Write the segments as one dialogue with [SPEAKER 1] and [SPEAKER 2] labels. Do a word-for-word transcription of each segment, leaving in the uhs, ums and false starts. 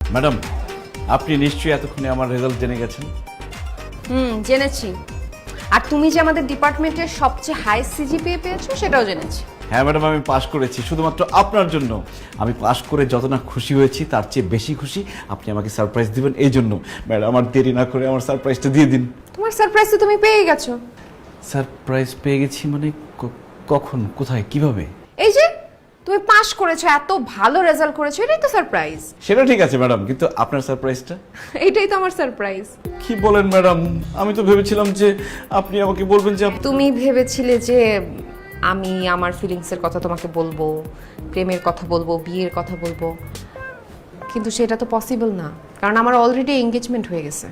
[SPEAKER 1] Madam, আপনি নিশ্চয়ই এতক্ষণে আমার রেজাল্ট জেনে গেছেন।
[SPEAKER 2] হুম, জেনেছি। আর তুমি যে আমাদের ডিপার্টমেন্টের সবচেয়ে হাই সিজিপিএ পেয়েছো সেটাও জেনেছি।
[SPEAKER 1] হ্যাঁ ম্যাডাম, আমি পাশ করেছি শুধুমাত্র আপনার জন্য। আমি পাশ করে যত না খুশি হয়েছি তার চেয়ে বেশি খুশি আপনি আমাকে সারপ্রাইজ দিবেন এই জন্য। ম্যাডাম, আমার দেরি না করে আমার সারপ্রাইজটা দিয়ে দিন।
[SPEAKER 2] তোমার সারপ্রাইজ তো তুমি পেয়ে গেছো।
[SPEAKER 1] সারপ্রাইজ পেয়ে গেছি মানে ক- কখন, কোথায়, কিভাবে?
[SPEAKER 2] এই যে তুমি পাশ করেছো, এত ভালো রেজাল্ট করেছো, এটাই তো সারপ্রাইজ।
[SPEAKER 1] সেটা ঠিক আছে ম্যাডাম, কিন্তু আপনার সারপ্রাইজটা?
[SPEAKER 2] এটাই তো আমার সারপ্রাইজ।
[SPEAKER 1] কি বলেন ম্যাডাম? আমি তো ভেবেছিলাম যে আপনি আমাকে বলবেন যে আপ-
[SPEAKER 2] তুমি ভেবেছিলে যে আমি আমার ফিলিংসের কথা তোমাকে বলবো, প্রেমের কথা বলবো, বিয়ের কথা বলবো, কিন্তু সেটা তো পসিবল না, কারণ আমার অলরেডি এঙ্গেজমেন্ট হয়ে গেছে।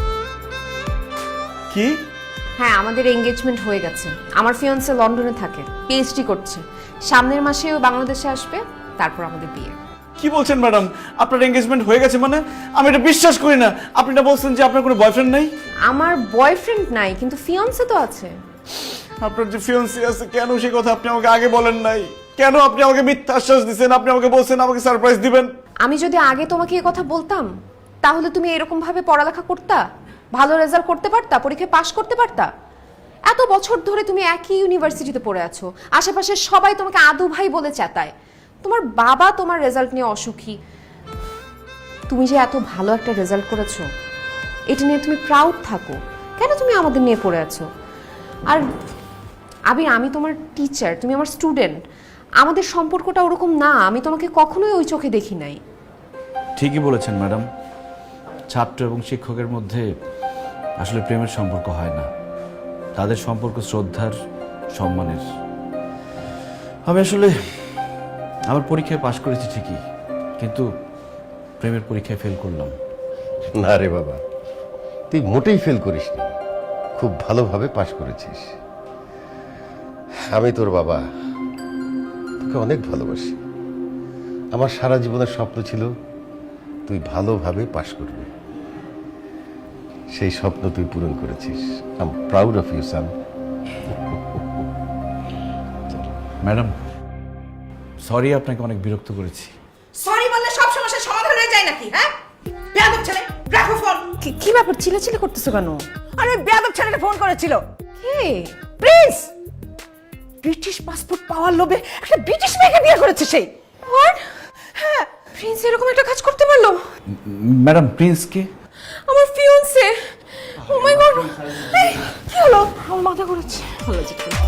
[SPEAKER 1] কি?
[SPEAKER 2] হ্যাঁ, আমাদের এঙ্গেজমেন্ট হয়ে গেছে। আমার ফিয়ান্সে লন্ডনে থাকে, পিএইচডি করছে। সামনের মাসে ও বাংলাদেশে আসবে, তারপর আমাদের বিয়ে।
[SPEAKER 1] কি বলছেন ম্যাডাম? আপনার এঙ্গেজমেন্ট হয়ে গেছে মানে? আমি এটা বিশ্বাস করি না। আপনি না বলছেন যে আপনার কোনো বয়ফ্রেন্ড নাই?
[SPEAKER 2] আমার বয়ফ্রেন্ড নাই, কিন্তু ফিয়ান্সে তো আছে।
[SPEAKER 1] আপনার যে ফিয়ান্সি আছে, কেন সেই কথা আপনি আমাকে আগে বলেন নাই? কেন আপনি আমাকে মিথ্যা আশ্বাস দিচ্ছেন? আপনি আমাকে বলছেন আমাকে সারপ্রাইজ দিবেন।
[SPEAKER 2] আমি যদি আগে তোমাকে এই কথা বলতাম, তাহলে তুমি এরকম ভাবে পড়ালেখা করতা, ভালো রেজাল্ট করতে পারতা, পরীক্ষায় পাশ করতে পারতা। এত বছর ধরে তুমি একই ইউনিভার্সিটিতে পড়ে আছো, আশেপাশে সবাই তোমাকে আদু ভাই বলে চেতায়। তোমার বাবা তোমার রেজাল্ট নিয়ে অসুখী। তুমি যে এত ভালো একটা রেজাল্ট করেছো, এটা নিয়ে তুমি প্রাউড থাকো। কেন তুমি আমাদের নিয়ে পড়ে আছো? আর আবির, আমি তোমার টিচার, তুমি আমার স্টুডেন্ট। আমাদের সম্পর্কটা ওরকম না। আমি তোমাকে কখনোই ওই চোখে দেখি নাই।
[SPEAKER 1] ঠিকই বলেছেন ম্যাডাম, ছাত্র এবং শিক্ষকের মধ্যে আসলে প্রেমের সম্পর্ক হয় না, তাদের সম্পর্ক শ্রদ্ধার, সম্মানের। আমি আসলে আমার পরীক্ষায় পাশ করেছি ঠিকই, কিন্তু প্রেমের পরীক্ষায় ফেল করলাম।
[SPEAKER 3] না রে বাবা, তুই মোটেই ফেল করিসনি, খুব ভালোভাবে পাশ করেছিস। আমি তোর বাবা, তোকে অনেক ভালোবাসি। আমার সারা জীবনের স্বপ্ন ছিল তুই ভালোভাবে পাশ করবি। সেই স্বপ্ন তুই পূরণ করেছিস। I am proud of you son.
[SPEAKER 1] Madam, sorry আপনাকে অনেক বিরক্ত করেছি।
[SPEAKER 4] সরি বললে সব সমস্যার সমাধান হয়ে যায় নাকি? হ্যাঁ, বেয়াদব ছেলে, রাখো ফোন।
[SPEAKER 2] কি- কি ব্যাপার, চিল্লাচিল্লি করতেছো কেন?
[SPEAKER 4] আরে ওই বেয়াদব ছেলেটা ফোন করেছিল।
[SPEAKER 2] কে?
[SPEAKER 4] প্রিন্স ব্রিটিশ পাসপোর্ট পাওয়ার লোভে একটা ব্রিটিশ মেয়েকে বিয়ে করেছে সেই।
[SPEAKER 2] হোয়াট? হ্যাঁ, প্রিন্স এরকম একটা কাজ করতে পারলো?
[SPEAKER 1] ম্যাডাম, প্রিন্সকে?
[SPEAKER 2] আমার ফিয়ান্সে। ও মাই গড, কি হলো? আমার মাথা ঘুরেছে। ভালো জিজ্ঞেস